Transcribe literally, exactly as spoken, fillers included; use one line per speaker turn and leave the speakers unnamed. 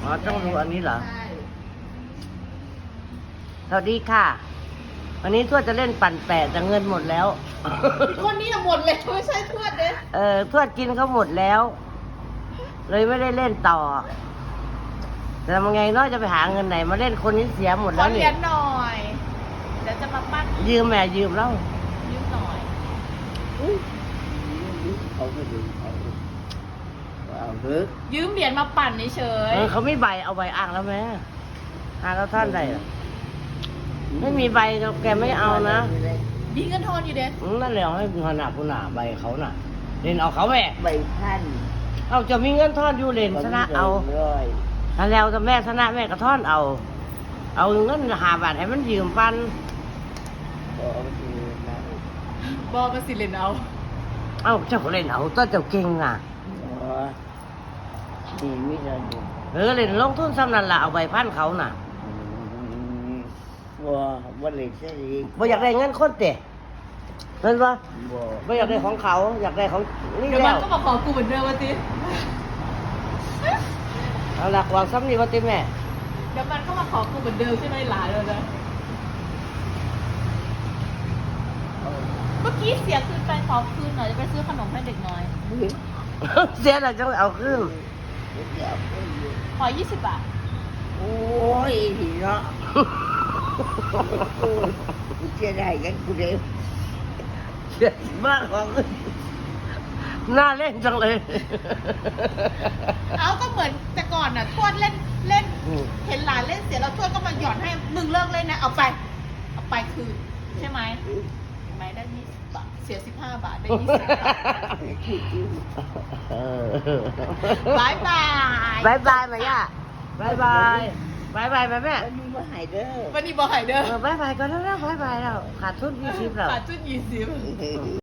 อ๋อต้องดูอันนี้เหรอ
ใช่
สวัสดีค่ะ วันนี้ทวดจะเล่นปั่นแปะแต่เงินหมดแล้ว
คนนี้น่ะหมดเลยไม่ใช่ทวดเด้
เออทวดกินเขาหมดแล้ว เลยไม่ได้เล่นต่อ แต่ทำไงน้อยจะไปหาเงินไหนมาเล่นคนนี้เสียหมด
ข
แล้
อ
ว
เห
เนี่
รีย
ย
ญหน่อยเดี๋ยวจะมาปั้น
ยืมแม่ยืมแล้ว
ยืมหน่อย
เขาไม่ดูเขาเอาเถอะ
ยืมเหรียญมาปั่นเฉย
เออเขาไม่ใบเอาใบอ้างแล้วแม่อ้างแล้วท่านใดอะไม่มีใบแกไม่เอานะ
ๆมีเงินทอนอยู่เด้
อืมนั่นแหละให้ขนาดผู้หนาใบเขาน่ะเล่นเอาเขาแหวก
ใบพัน
เอาจะมีเงินทอนอยู่เล่นชนะเอา
ร้อย
ถ้าแล้วถ้าแม่ชนะแม่ก็ทอนเอา เอาเงินหาบาทให้มันยืมปัน
ขอมาดูนะ
บอกมาสิเลนเอา
เอาเจ้าก็เล่นเอาตัวเจ้าเก่งอ่ะ
อ๋อดีไม่ได้ดู
เออเล่นลงทุนซ้ำนั่นละเอาใบพันเขาน่ะ
ว่าว่าเลยใช่ดี
บ่อยากได้เงินคนเตะเห็นปะ
บ่
บ่อยากได้ของเขา อยากได้ของนี่
เดี๋ยวมั
แล้
น
ว
ก็มาขอกูเหมือนเดิมวะติ
เอาหลักวางซ้ำนี่ว่าติแม่
เดี๋ยวมันก็มาขอกูเหมือนเดิมใช่ไหมหลานเลยนะเมื่อกี้เสียคืนไปขอคืนหน่อยจะไปซื้อขนมให้เด็กน้อย
เสียแล้วจังเอาขึ้น
ขอยี่สิบบาท
โอ้ยเนาะกูจะได้กันกูเดียว
เสียมากของน่าเล่นจังเลย
เอาก็เหมือนแต่ก่อนน่ะทวดเล่นเล่น
อืม
เห็นหลานเล่นเสียแล้วทวดก็มาหย่อนให้มึงเลิกเล่นนะเอาไป เอาไปคืนใช่ไหมเห็นไหมได้ยี่สิบบาทเสียสิบห้าบาทได้ยี่สิบบาท
เออบ
ายบาย
บายบายแม่ย่าบายบายบายบายแม่แม่
อันนี้ว่าหายเด้อ
วันนี้บอกให้เด้อ
เออบายบายก็แล้วนะบายบายแล้วขาดทุนยี่สิบแล้ว
ขาดจุดยี่สิบ